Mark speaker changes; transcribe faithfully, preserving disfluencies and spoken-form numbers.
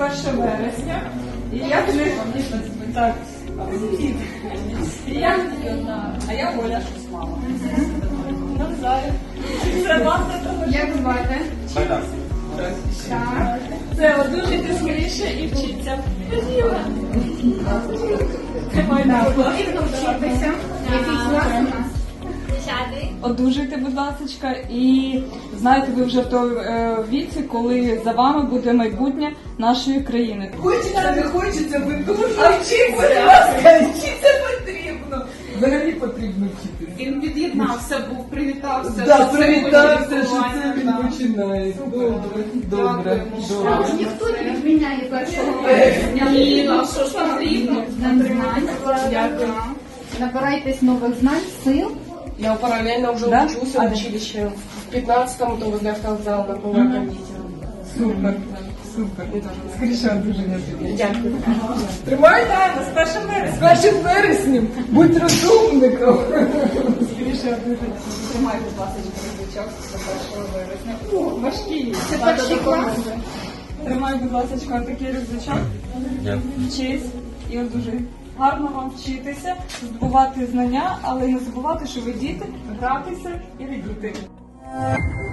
Speaker 1: перше вересня. І я тобі... Так. І я... А я Оля Шусмала. Навзаю. Це Ванда.
Speaker 2: Як звати?
Speaker 3: Богдан.
Speaker 2: Так.
Speaker 1: Це одужуйте скоріше і вчіться. Тримай на
Speaker 2: Потрібно вчитися. Який клас у нас?
Speaker 1: Одужуйте, будь ласка, і знаєте, ви вже в тому е, віці, коли за вами буде майбутнє нашої країни.
Speaker 4: Хочеться, не хочеться, ви дуже вчіться, будь ласка, вчитися потрібно. Взагалі потрібно вчитися.
Speaker 2: Він від'єднався, був, привітався.
Speaker 4: Так,
Speaker 2: що це
Speaker 4: привітався,
Speaker 2: буде
Speaker 4: що це він
Speaker 2: так.
Speaker 4: починає. Добре, добре,
Speaker 2: А
Speaker 4: добре.
Speaker 2: ніхто не відміняє першого вересня. Ні, ну що ж потрібно? Нам знань. Дякую. Набирайтесь нових знань, сил.
Speaker 5: Я параллельно уже
Speaker 1: Да?
Speaker 5: учусь
Speaker 1: А,
Speaker 5: в
Speaker 1: да.
Speaker 5: училище. В пятнадцатом то возле автовокзала на поваркомите.
Speaker 4: Супер, супер. Скоріше одужання тобі.
Speaker 5: Дякую.
Speaker 4: Тримай
Speaker 1: Вітаємо з першим
Speaker 4: з
Speaker 1: вереснем.
Speaker 4: першим вереснем. Будь розумником.
Speaker 1: Скоріше одужуйте. Тримай, будь ласка, рюкзачок до першого вересня. О, важкий.
Speaker 2: Це перший клас.
Speaker 1: Тримай, будь ласка, такий рюкзачок. Вчись і одужуй. Гарно вам вчитися, здобувати знання, але не забувати, що ви діти, гратися і радіти.